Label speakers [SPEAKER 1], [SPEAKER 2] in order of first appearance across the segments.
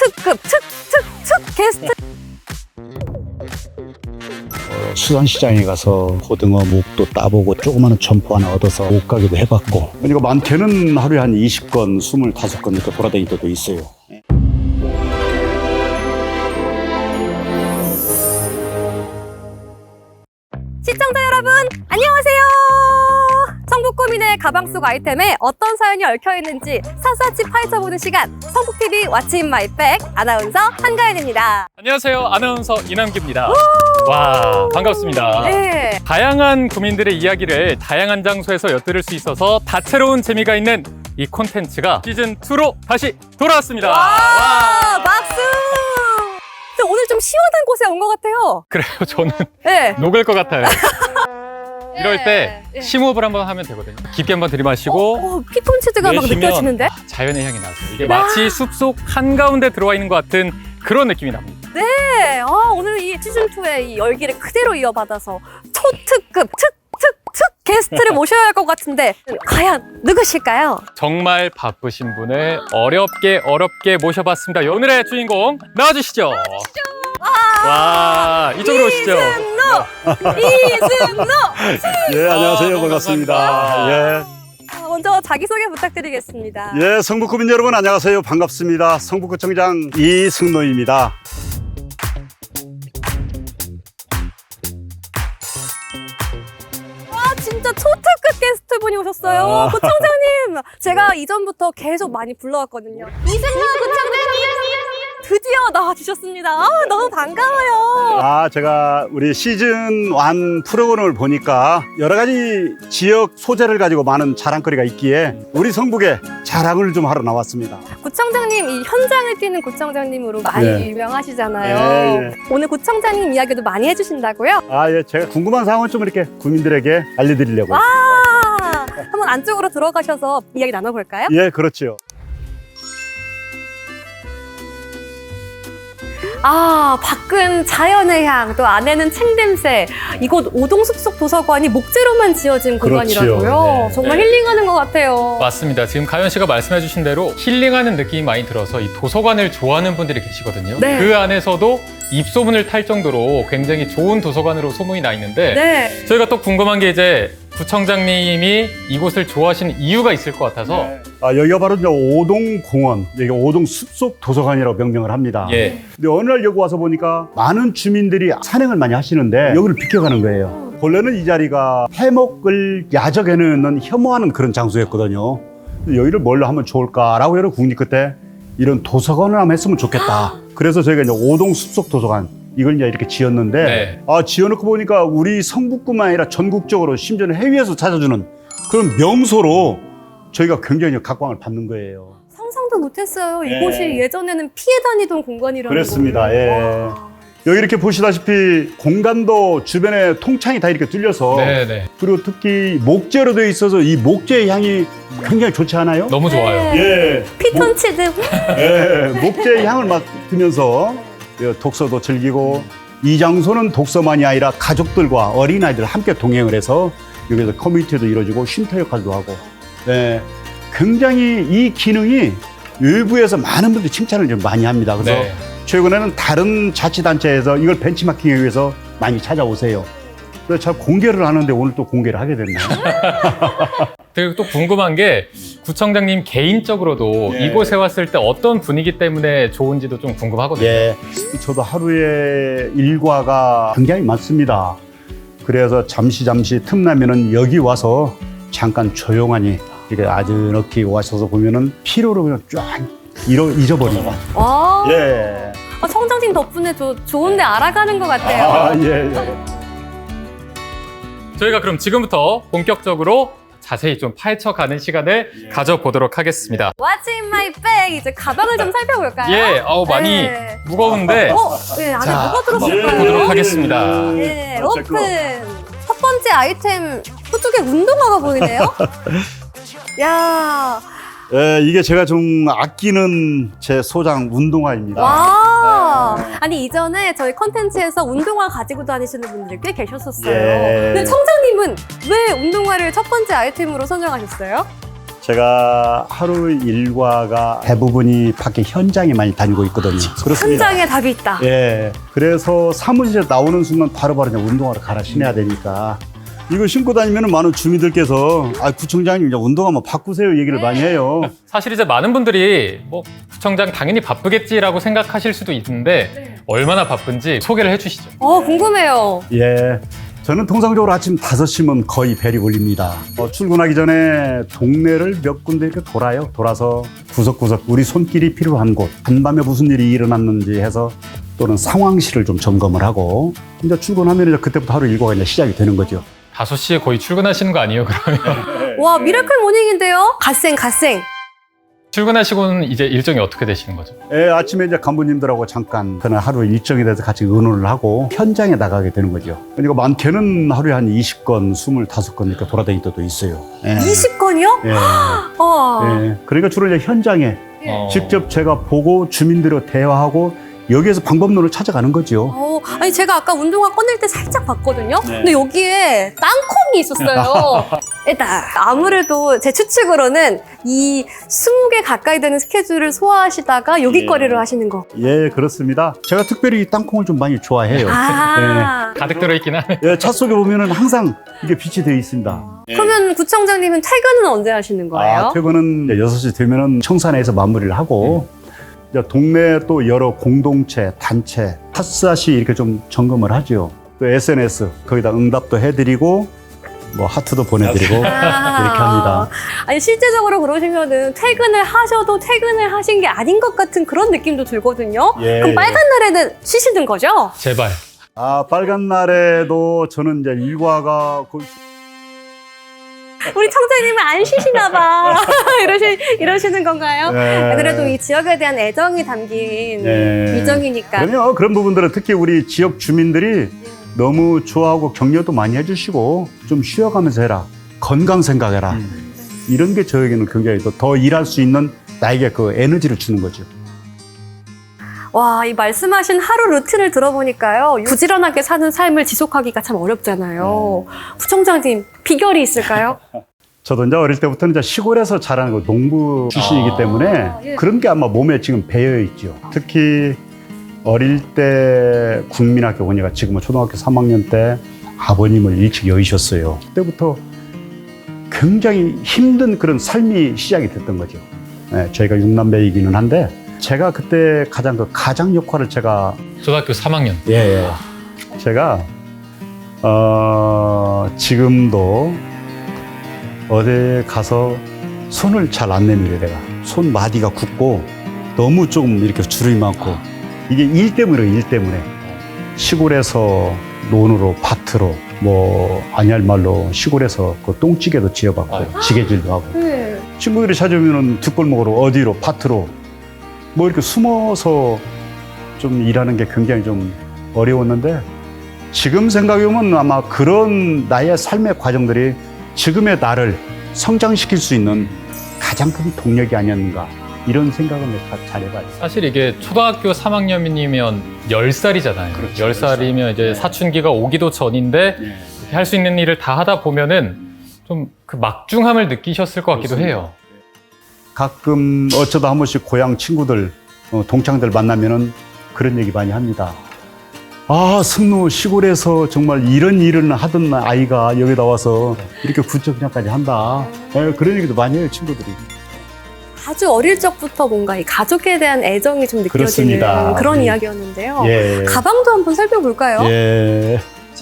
[SPEAKER 1] 초특급 특 게스트.
[SPEAKER 2] 수산시장에 가서 고등어 목도 따보고 조그마한 점포 하나 얻어서 못 가기도 해봤고, 그러니까 많게는 하루에 한 20건, 25건 이렇게 돌아다닐 때도 있어요.
[SPEAKER 1] 시청자 여러분 안녕하세요. 성북구민의 가방 속 아이템에 어떤 사연이 얽혀있는지 샅샅이 파헤쳐보는 시간, 성북TV What's in my bag 아나운서 한가연입니다.
[SPEAKER 3] 안녕하세요. 아나운서 이남규입니다. 와, 반갑습니다.
[SPEAKER 1] 네.
[SPEAKER 3] 다양한 구민들의 이야기를 다양한 장소에서 엿들을 수 있어서 다채로운 재미가 있는 이 콘텐츠가 시즌2로 다시 돌아왔습니다.
[SPEAKER 1] 와, 박수! 근데 오늘 좀 시원한 곳에 온 것 같아요.
[SPEAKER 3] 그래요. 저는
[SPEAKER 1] 네.
[SPEAKER 3] 녹을 것 같아요. 이럴 때
[SPEAKER 1] 네.
[SPEAKER 3] 심호흡을 한번 하면 되거든요. 깊게 한번 들이마시고
[SPEAKER 1] 피톤치드가 막
[SPEAKER 3] 내쉬면
[SPEAKER 1] 느껴지는데?
[SPEAKER 3] 자연의 향이 나서 이게 마치 숲속 한가운데 들어와 있는 것 같은 그런 느낌이 납니다.
[SPEAKER 1] 네. 오늘 이 시즌2의 이 열기를 그대로 이어받아서 초특급 특 게스트를 모셔야 할 것 같은데 과연 누구실까요?
[SPEAKER 3] 정말 바쁘신 분을 어렵게 모셔봤습니다. 오늘의 주인공 나와주시죠. 와, 이쪽으로 오시죠.
[SPEAKER 1] 이승노!
[SPEAKER 2] 예, 안녕하세요.
[SPEAKER 3] 아,
[SPEAKER 2] 반갑습니다. 예.
[SPEAKER 1] 먼저 자기소개 부탁드리겠습니다.
[SPEAKER 2] 예, 성북구민 여러분 안녕하세요. 반갑습니다. 성북구청장 이승노입니다.
[SPEAKER 1] 진짜 초특급 게스트분이 오셨어요. 구청장님! 제가 이전부터 계속 많이 불러왔거든요. 이승노 구청장님! 드디어 나와주셨습니다. 너무 반가워요.
[SPEAKER 2] 제가 우리 시즌1 프로그램을 보니까 여러 가지 지역 소재를 가지고 많은 자랑거리가 있기에 우리 성북에 자랑을 좀 하러 나왔습니다.
[SPEAKER 1] 구청장님, 이 현장을 뛰는 구청장님으로 많이
[SPEAKER 2] 네.
[SPEAKER 1] 유명하시잖아요.
[SPEAKER 2] 예.
[SPEAKER 1] 오늘 구청장님 이야기도 많이 해주신다고요?
[SPEAKER 2] 예, 제가 궁금한 사항을 좀 이렇게 구민들에게 알려드리려고.
[SPEAKER 1] 한번 안쪽으로 들어가셔서 이야기 나눠볼까요?
[SPEAKER 2] 예, 그렇죠.
[SPEAKER 1] 밖은 자연의 향, 또 안에는 책냄새. 이곳 오동숲속 도서관이 목재로만 지어진
[SPEAKER 2] 그렇지요.
[SPEAKER 1] 공간이라고요.
[SPEAKER 3] 네,
[SPEAKER 1] 정말
[SPEAKER 3] 네.
[SPEAKER 1] 힐링하는 것 같아요.
[SPEAKER 3] 맞습니다. 지금 가연 씨가 말씀해주신 대로 힐링하는 느낌이 많이 들어서 이 도서관을 좋아하는 분들이 계시거든요.
[SPEAKER 1] 네.
[SPEAKER 3] 그 안에서도 입소문을 탈 정도로 굉장히 좋은 도서관으로 소문이 나 있는데
[SPEAKER 1] 네.
[SPEAKER 3] 저희가 또 궁금한 게 이제 구청장님이 이곳을 좋아하시는 이유가 있을 것 같아서
[SPEAKER 2] 여기가 바로 이제 오동공원, 여기 오동 숲속 도서관이라고 명명을 합니다.
[SPEAKER 3] 예.
[SPEAKER 2] 근데 어느 날 여기 와서 보니까 많은 주민들이 산행을 많이 하시는데 여기를 비켜가는 거예요. 본래는 이 자리가 해먹을 야적해놓는 혐오하는 그런 장소였거든요. 근데 여기를 뭘로 하면 좋을까라고 여러 국립 끝에 이런 도서관을 한번 했으면 좋겠다. 그래서 저희가 이제 오동 숲속 도서관 이걸 이제 이렇게 지었는데
[SPEAKER 3] 네.
[SPEAKER 2] 지어놓고 보니까 우리 성북뿐만 아니라 전국적으로 심지어는 해외에서 찾아주는 그런 명소로 저희가 굉장히 각광을 받는 거예요.
[SPEAKER 1] 상상도 못했어요.
[SPEAKER 2] 네.
[SPEAKER 1] 이곳이 예전에는 피해 다니던 공간이라는
[SPEAKER 2] 그렇습니다.
[SPEAKER 1] 거를.
[SPEAKER 2] 예.
[SPEAKER 1] 와.
[SPEAKER 2] 여기 이렇게 보시다시피 공간도 주변에 통창이 다 이렇게 뚫려서
[SPEAKER 3] 네네.
[SPEAKER 2] 그리고 특히 목재로 되어 있어서 이 목재의 향이 굉장히 좋지 않아요?
[SPEAKER 3] 너무 좋아요.
[SPEAKER 1] 네.
[SPEAKER 2] 예.
[SPEAKER 1] 피톤치드.
[SPEAKER 2] 목재의 향을 맡으면서 독서도 즐기고 이 장소는 독서만이 아니라 가족들과 어린아이들 함께 동행을 해서 여기서 커뮤니티도 이루어지고 쉼터 역할도 하고 굉장히 이 기능이 외부에서 많은 분들이 칭찬을 좀 많이 합니다. 그래서
[SPEAKER 3] 네.
[SPEAKER 2] 최근에는 다른 자치단체에서 이걸 벤치마킹하기 위해서 많이 찾아오세요. 그래서 참 공개를 하는데 오늘 또 공개를 하게 됐네요.
[SPEAKER 3] 그리고 또 궁금한 게 구청장님 개인적으로도
[SPEAKER 2] 예.
[SPEAKER 3] 이곳에 왔을 때 어떤 분위기 때문에 좋은지도 좀 궁금하거든요.
[SPEAKER 2] 예, 저도 하루에 일과가 굉장히 많습니다. 그래서 잠시 틈나면은 여기 와서 잠깐 조용하니 이렇게 아즈넉히 와셔서 보면은 피로를 그냥 쫙 잊어버리고.
[SPEAKER 1] 와.
[SPEAKER 2] 예.
[SPEAKER 1] 청장님 덕분에 좋은데 알아가는 것 같아요.
[SPEAKER 2] 예.
[SPEAKER 3] 저희가 그럼 지금부터 본격적으로 자세히 좀 파헤쳐가는 시간을 가져보도록 하겠습니다.
[SPEAKER 1] What's in my bag? 이제 가방을 좀 살펴볼까요?
[SPEAKER 3] 예, 많이
[SPEAKER 1] 네.
[SPEAKER 3] 무거운데
[SPEAKER 1] 예, 안에
[SPEAKER 3] 자,
[SPEAKER 1] 뭐가 들었을까요?
[SPEAKER 3] 보도록 하겠습니다.
[SPEAKER 1] 예, 오픈. 첫 번째 아이템, 저쪽에 운동화가 보이네요? 야,
[SPEAKER 2] 예, 이게 제가 좀 아끼는 제 소장 운동화입니다.
[SPEAKER 1] 와. 아니, 이전에 저희 컨텐츠에서 운동화 가지고 다니시는 분들이 꽤 계셨었어요.
[SPEAKER 2] 예.
[SPEAKER 1] 근데 청장님은 왜 운동화를 첫 번째 아이템으로 선정하셨어요?
[SPEAKER 2] 제가 하루 일과가 대부분이 밖에 현장에 많이 다니고 있거든요. 그렇습니다.
[SPEAKER 1] 현장에 답이 있다.
[SPEAKER 2] 예. 그래서 사무실에 나오는 순간 바로바로 이제 운동화를 갈아 신어야 되니까 이거 신고 다니면 많은 주민들께서 구청장님 이제 운동 한번 바꾸세요 얘기를 많이 해요.
[SPEAKER 3] 사실 이제 많은 분들이 뭐 구청장 당연히 바쁘겠지라고 생각하실 수도 있는데 얼마나 바쁜지 소개를 해주시죠.
[SPEAKER 1] 궁금해요.
[SPEAKER 2] 예. 저는 통상적으로 아침 5시면 거의 벨이 울립니다. 출근하기 전에 동네를 몇 군데 이렇게 돌아요. 돌아서 구석구석 우리 손길이 필요한 곳, 한밤에 무슨 일이 일어났는지 해서 또는 상황실을 좀 점검을 하고 이제 출근하면 이제 그때부터 하루 일과가 이제 시작이 되는 거죠.
[SPEAKER 3] 5시에 거의 출근하시는 거 아니에요, 그러면?
[SPEAKER 1] 와, 미라클 모닝인데요? 갓생.
[SPEAKER 3] 출근하시고는 이제 일정이 어떻게 되시는 거죠?
[SPEAKER 2] 예, 아침에 이제 간부님들하고 잠깐 그날 하루 일정에 대해서 같이 의논을 하고 현장에 나가게 되는 거죠. 그러니까 많게는 하루에 한 20건, 25건 이렇게 돌아다닐 때도 있어요. 예.
[SPEAKER 1] 20건이요?
[SPEAKER 2] 예.
[SPEAKER 1] 와.
[SPEAKER 2] 예. 그러니까 주로 이제 현장에 직접 제가 보고 주민들과 대화하고 여기에서 방법론을 찾아가는 거죠.
[SPEAKER 1] 아니 제가 아까 운동화 꺼낼 때 살짝 봤거든요. 근데 여기에 땅콩이 있었어요. 일단 아무래도 제 추측으로는 이 20개 가까이 되는 스케줄을 소화하시다가 여기거리를 하시는 거.
[SPEAKER 2] 예, 그렇습니다. 제가 특별히 이 땅콩을 좀 많이 좋아해요.
[SPEAKER 3] 가득 들어있긴 하네.
[SPEAKER 2] 예, 차 속에 보면은 항상 이게 빛이 되어 있습니다.
[SPEAKER 1] 그러면 구청장님은 퇴근은 언제 하시는 거예요?
[SPEAKER 2] 퇴근은 6시 되면은 청산에서 마무리를 하고 이제 동네 또 여러 공동체, 단체, 핫샷이 이렇게 좀 점검을 하죠. 또 SNS 거기다 응답도 해드리고 뭐 하트도 보내드리고 이렇게 합니다.
[SPEAKER 1] 아니 실제적으로 그러시면은 퇴근을 하셔도 퇴근을 하신 게 아닌 것 같은 그런 느낌도 들거든요.
[SPEAKER 2] 예,
[SPEAKER 1] 그럼 빨간 날에는 쉬시는 거죠?
[SPEAKER 3] 제발.
[SPEAKER 2] 빨간 날에도 저는 이제 일과가 거의
[SPEAKER 1] 우리 청장님은 안 쉬시나 봐. 이러시는 건가요?
[SPEAKER 2] 예.
[SPEAKER 1] 그래도 이 지역에 대한 애정이 담긴 일정이니까.
[SPEAKER 2] 그럼요. 그런 부분들은 특히 우리 지역 주민들이 너무 좋아하고 격려도 많이 해주시고 좀 쉬어가면서 해라. 건강 생각해라. 이런 게 저에게는 굉장히 더 일할 수 있는 나에게 그 에너지를 주는 거죠.
[SPEAKER 1] 와, 이 말씀하신 하루 루틴을 들어보니까요. 부지런하게 사는 삶을 지속하기가 참 어렵잖아요. 구청장님, 비결이 있을까요?
[SPEAKER 2] 저도 이제 어릴 때부터는 이제 시골에서 자라는 거 농부 출신이기 때문에 그런 게 아마 몸에 지금 배어 있죠. 특히 어릴 때 국민학교 보니까 지금은 초등학교 3학년 때 아버님을 일찍 여의셨어요. 그때부터 굉장히 힘든 그런 삶이 시작이 됐던 거죠. 저희가 6남매이기는 한데 제가 그때 가장 그 가장 역할을 제가
[SPEAKER 3] 초등학교 3학년.
[SPEAKER 2] 제가 지금도 어디 가서 손을 잘 안 내밀어요. 내가 손 마디가 굳고 너무 좀 이렇게 주름이 많고 이게 일 때문에 시골에서 논으로 밭으로 뭐 아니할 말로 시골에서 그 똥찌개도 지어봤고 지게질도 하고 친구들이 찾아오면은 뒷골목으로 어디로 밭으로 뭐 이렇게 숨어서 좀 일하는 게 굉장히 좀 어려웠는데 지금 생각해보면 아마 그런 나의 삶의 과정들이 지금의 나를 성장시킬 수 있는 가장 큰 동력이 아니었는가 이런 생각은 내가 잘 해봐요.
[SPEAKER 3] 사실 이게 초등학교 3학년이면 10살이잖아요.
[SPEAKER 2] 그렇죠,
[SPEAKER 3] 10살이면 이제 사춘기가 오기도 전인데 할 수 있는 일을 다 하다 보면은 좀 그 막중함을 느끼셨을 것 같기도 해요.
[SPEAKER 2] 가끔 어쩌다 한 번씩 고향 친구들, 동창들 만나면은 그런 얘기 많이 합니다. 승노 시골에서 정말 이런 일을 하던 아이가 여기다 와서 이렇게 구청장까지 한다. 그런 얘기도 많이 해요, 친구들이.
[SPEAKER 1] 아주 어릴 적부터 뭔가 이 가족에 대한 애정이 좀 느껴지는
[SPEAKER 2] 그렇습니다.
[SPEAKER 1] 그런 이야기였는데요.
[SPEAKER 2] 예.
[SPEAKER 1] 가방도 한번 살펴볼까요?
[SPEAKER 2] 예.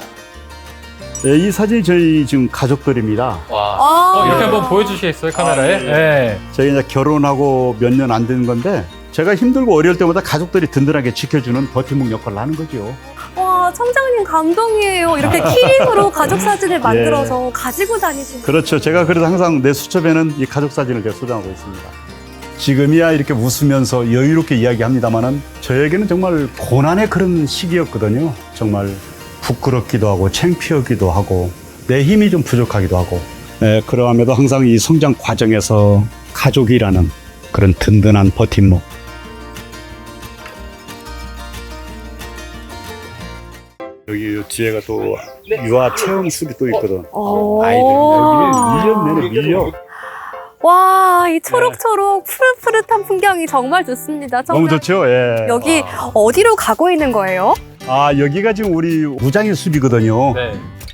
[SPEAKER 2] 이 사진이 저희 지금 가족들입니다.
[SPEAKER 3] 와. 이렇게 한번 보여주시겠어요, 카메라에? 네.
[SPEAKER 2] 저희 이제 결혼하고 몇 년 안 되는 건데 제가 힘들고 어려울 때마다 가족들이 든든하게 지켜주는 버팀목 역할을 하는 거죠.
[SPEAKER 1] 와, 청장님 감동이에요. 이렇게 키링으로 가족 사진을 만들어서 가지고 다니시는.
[SPEAKER 2] 그렇죠. 제가 그래서 항상 내 수첩에는 이 가족 사진을 제가 소장하고 있습니다. 지금이야 이렇게 웃으면서 여유롭게 이야기합니다만은 저에게는 정말 고난의 그런 시기였거든요. 정말 부끄럽기도 하고 창피하기도 하고 내 힘이 좀 부족하기도 하고 그러함에도 항상 이 성장 과정에서 가족이라는 그런 든든한 버팀목 여기 뒤에가 또 유아 체험술이 또 있거든. 아이들 여기 1년 내내 밀려.
[SPEAKER 1] 와, 이 초록초록 푸릇푸릇한 풍경이 정말 좋습니다.
[SPEAKER 2] 너무
[SPEAKER 1] 정말.
[SPEAKER 2] 좋죠. 예.
[SPEAKER 1] 여기 어디로 가고 있는 거예요?
[SPEAKER 2] 아, 여기가 지금 우리 무장의 숲이거든요.
[SPEAKER 3] 네.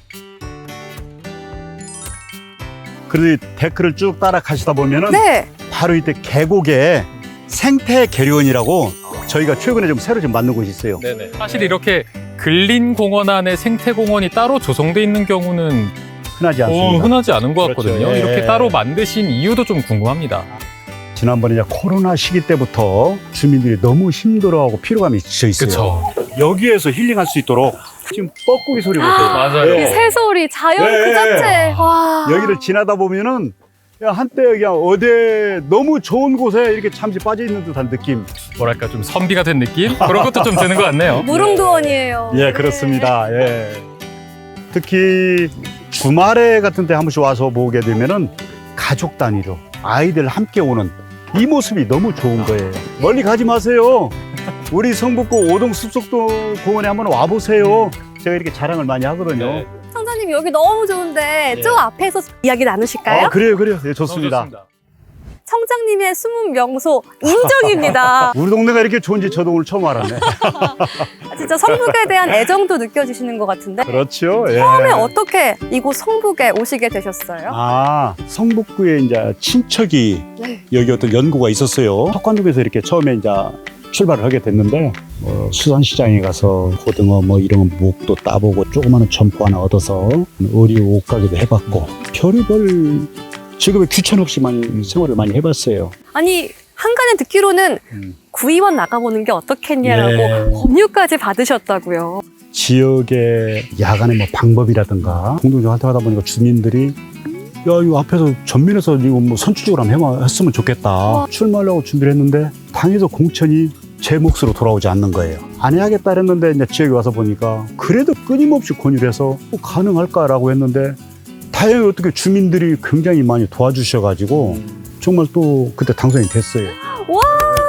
[SPEAKER 2] 그래서 이 데크를 쭉 따라 가시다 보면은
[SPEAKER 1] 네.
[SPEAKER 2] 바로 이때 계곡에 생태 계류원이라고 저희가 최근에 좀 새로 좀 만든 곳이 있어요.
[SPEAKER 3] 네네. 사실 이렇게 근린 공원 안에 생태 공원이 따로 조성돼 있는 경우는
[SPEAKER 2] 흔하지 않습니다.
[SPEAKER 3] 흔하지 않은 것
[SPEAKER 2] 그렇죠.
[SPEAKER 3] 같거든요.
[SPEAKER 2] 예.
[SPEAKER 3] 이렇게 따로 만드신 이유도 좀 궁금합니다.
[SPEAKER 2] 지난번에 이제 코로나 시기 때부터 주민들이 너무 힘들어하고 피로감이 지쳐 있어요.
[SPEAKER 3] 그렇죠.
[SPEAKER 2] 여기에서 힐링할 수 있도록 지금 뻐꾸기 소리 보세요.
[SPEAKER 3] 맞아요.
[SPEAKER 1] 이 새소리, 자연
[SPEAKER 2] 네.
[SPEAKER 1] 그 자체. 와.
[SPEAKER 2] 여기를 지나다 보면은 야, 한때 그냥 어디 너무 좋은 곳에 이렇게 잠시 빠져 있는 듯한 느낌.
[SPEAKER 3] 뭐랄까 좀 선비가 된 느낌? 그런 것도 좀 드는 것 같네요.
[SPEAKER 1] 무릉도원이에요.
[SPEAKER 2] 예, 그렇습니다. 예. 특히 주말에 같은 때 한 번씩 와서 보게 되면은 가족 단위로 아이들 함께 오는 이 모습이 너무 좋은 거예요. 멀리 가지 마세요. 우리 성북구 오동 숲속도 공원에 한번 와보세요. 제가 이렇게 자랑을 많이 하거든요.
[SPEAKER 3] 네.
[SPEAKER 1] 청자님 여기 너무 좋은데
[SPEAKER 2] 예.
[SPEAKER 1] 저 앞에서 이야기 나누실까요?
[SPEAKER 2] 아, 그래요. 예,
[SPEAKER 3] 너무
[SPEAKER 2] 좋습니다.
[SPEAKER 1] 청장님의 숨은 명소 인정입니다.
[SPEAKER 2] 우리 동네가 이렇게 좋은지 저도 오늘 처음 알았네.
[SPEAKER 1] 진짜 성북에 대한 애정도 느껴지시는 것 같은데
[SPEAKER 2] 그렇죠. 예.
[SPEAKER 1] 처음에 어떻게 이곳 성북에 오시게 되셨어요?
[SPEAKER 2] 아, 성북구에 이제 친척이
[SPEAKER 1] 네.
[SPEAKER 2] 여기 어떤 연구가 있었어요. 턱관동에서 이렇게 처음에 이제 출발을 하게 됐는데 수산시장에 가서 고등어 뭐 이런 목도 따보고 조그마한 점포 하나 얻어서 의류 옷가게도 해봤고 별의별 직업에 귀천 없이 많이 생활을 많이 해봤어요.
[SPEAKER 1] 아니 한간에 듣기로는 구의원 나가보는 게 어떻겠냐라고
[SPEAKER 2] 예.
[SPEAKER 1] 법률까지 받으셨다고요.
[SPEAKER 2] 지역의 야간의 뭐 방법이라든가 공동적 활동하다 보니까 주민들이 야, 이거 앞에서 전면에서 이거 뭐 선취적으로 한번 했으면 좋겠다. 출마하려고 준비를 했는데 당에서 공천이 제 몫으로 돌아오지 않는 거예요. 안 해야겠다 했는데 이제 지역에 와서 보니까 그래도 끊임없이 권유를 해서 가능할까라고 했는데 다행히 어떻게 주민들이 굉장히 많이 도와주셔가지고 정말 또 그때 당선이 됐어요.
[SPEAKER 1] 와.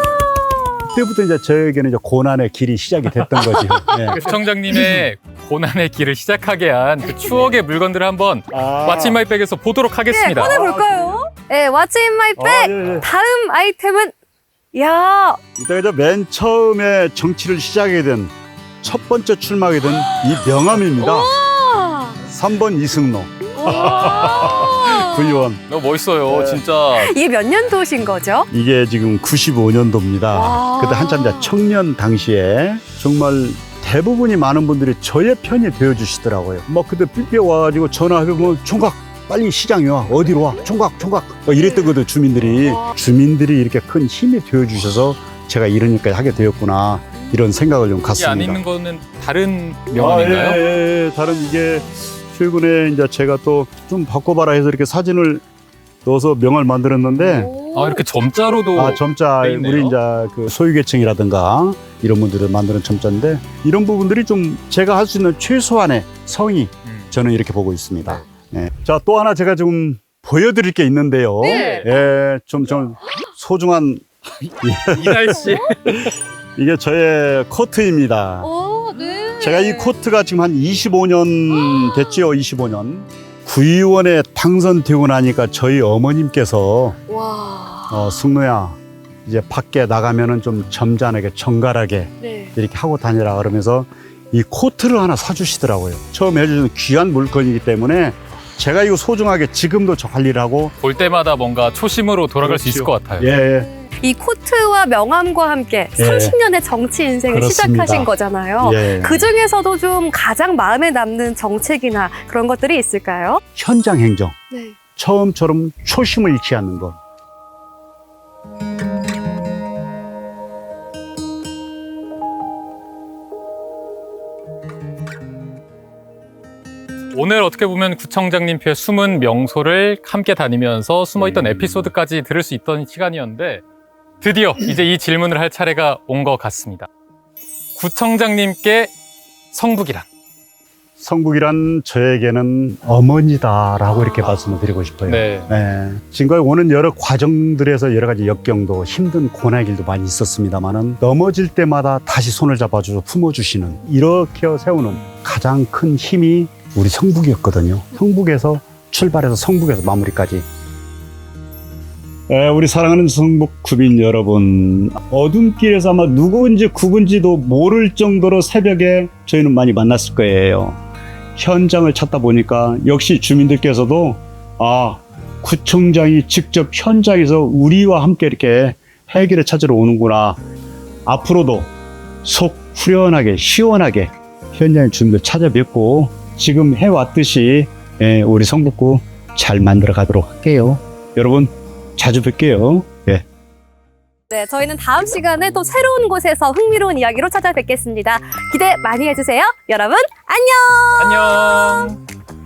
[SPEAKER 2] 그때부터 이제 저에게는 이제 고난의 길이 시작이 됐던 거죠. 네.
[SPEAKER 3] 구청장님의 고난의 길을 시작하게 한 그 추억의 물건들을 한번 왓츠 인 마이 백에서 보도록
[SPEAKER 1] 네,
[SPEAKER 3] 하겠습니다.
[SPEAKER 1] 꺼내볼까요? 네, 왓츠 인 마이 백.
[SPEAKER 2] 예.
[SPEAKER 1] 다음 아이템은 야
[SPEAKER 2] 이때가 이제 맨 처음에 정치를 시작하게 된 첫 번째 출마하게 된 이 명함입니다.
[SPEAKER 1] 와.
[SPEAKER 2] 3번 이승로
[SPEAKER 1] 와.
[SPEAKER 3] 구의원. 너무 멋있어요,
[SPEAKER 2] 네.
[SPEAKER 3] 진짜.
[SPEAKER 1] 이게 몇 년도신 거죠?
[SPEAKER 2] 이게 지금 95년도입니다.
[SPEAKER 1] 와.
[SPEAKER 2] 그때 한참 이제 청년 당시에 정말 대부분이 많은 분들이 저의 편이 되어주시더라고요. 막 그때 삐삐 와가지고 전화하면 총각 빨리 시장에 와. 어디로 와? 총각 막 이랬거든 주민들이. 주민들이 이렇게 큰 힘이 되어주셔서 제가 이런 일까지 하게 되었구나 이런 생각을 좀
[SPEAKER 3] 이
[SPEAKER 2] 갖습니다.
[SPEAKER 3] 안에 있는 거는 다른 명함인가요?
[SPEAKER 2] 예. 다른 이게 최근에 이제 제가 또 좀 바꿔봐라 해서 이렇게 사진을 넣어서 명을 만들었는데
[SPEAKER 1] 오.
[SPEAKER 3] 아, 이렇게 점자로도.
[SPEAKER 2] 점자
[SPEAKER 3] 돼 있네요.
[SPEAKER 2] 우리 이제 그 소유계층이라든가 이런 분들을 만드는 점자인데 이런 부분들이 좀 제가 할 수 있는 최소한의 성의 저는 이렇게 보고 있습니다. 예. 자, 또 하나 제가 좀 보여드릴 게 있는데요.
[SPEAKER 1] 네.
[SPEAKER 2] 예, 좀 소중한
[SPEAKER 3] 이날 씨.
[SPEAKER 2] 이게 저의 코트입니다.
[SPEAKER 1] 오, 네.
[SPEAKER 2] 제가 이 코트가 지금 한 25년 됐지요, 25년. 구의원에 당선되고 나니까 저희 어머님께서
[SPEAKER 1] 와.
[SPEAKER 2] 승노야, 이제 밖에 나가면은 좀 점잖하게 정갈하게
[SPEAKER 1] 네.
[SPEAKER 2] 이렇게 하고 다니라 그러면서 이 코트를 하나 사주시더라고요. 처음 해주는 귀한 물건이기 때문에 제가 이거 소중하게 지금도 저 관리를 하고
[SPEAKER 3] 볼 때마다 뭔가 초심으로 돌아갈 수
[SPEAKER 2] 그렇죠.
[SPEAKER 3] 있을 것 같아요.
[SPEAKER 2] 예,
[SPEAKER 1] 이 코트와 명함과 함께
[SPEAKER 2] 예.
[SPEAKER 1] 30년의 정치 인생을
[SPEAKER 2] 그렇습니다.
[SPEAKER 1] 시작하신 거잖아요.
[SPEAKER 2] 예.
[SPEAKER 1] 그 중에서도 좀 가장 마음에 남는 정책이나 그런 것들이 있을까요?
[SPEAKER 2] 현장 행정.
[SPEAKER 1] 네.
[SPEAKER 2] 처음처럼 초심을 잃지 않는 것.
[SPEAKER 3] 오늘 어떻게 보면 구청장님표의 숨은 명소를 함께 다니면서 숨어있던 에피소드까지 들을 수 있던 시간이었는데 드디어 이제 이 질문을 할 차례가 온 것 같습니다. 구청장님께 성북이란?
[SPEAKER 2] 성북이란 저에게는 어머니다라고 이렇게 말씀을 드리고 싶어요.
[SPEAKER 3] 네.
[SPEAKER 2] 지금까지 오는 여러 과정들에서 여러 가지 역경도 힘든 고난의 길도 많이 있었습니다만은 넘어질 때마다 다시 손을 잡아주고 품어주시는 이렇게 세우는 가장 큰 힘이 우리 성북이었거든요. 성북에서 출발해서 성북에서 마무리까지 우리 사랑하는 성북 구민 여러분, 어둠길에서 아마 누구인지 구분지도 모를 정도로 새벽에 저희는 많이 만났을 거예요. 현장을 찾다 보니까 역시 주민들께서도 구청장이 직접 현장에서 우리와 함께 이렇게 해결을 찾으러 오는구나. 앞으로도 속 후련하게 시원하게 현장의 주민들 찾아뵙고 지금 해왔듯이 우리 성북구 잘 만들어 가도록 할게요. 여러분 자주 뵐게요. 예.
[SPEAKER 1] 네, 저희는 다음 시간에 또 새로운 곳에서 흥미로운 이야기로 찾아뵙겠습니다. 기대 많이 해주세요. 여러분, 안녕!
[SPEAKER 3] 안녕.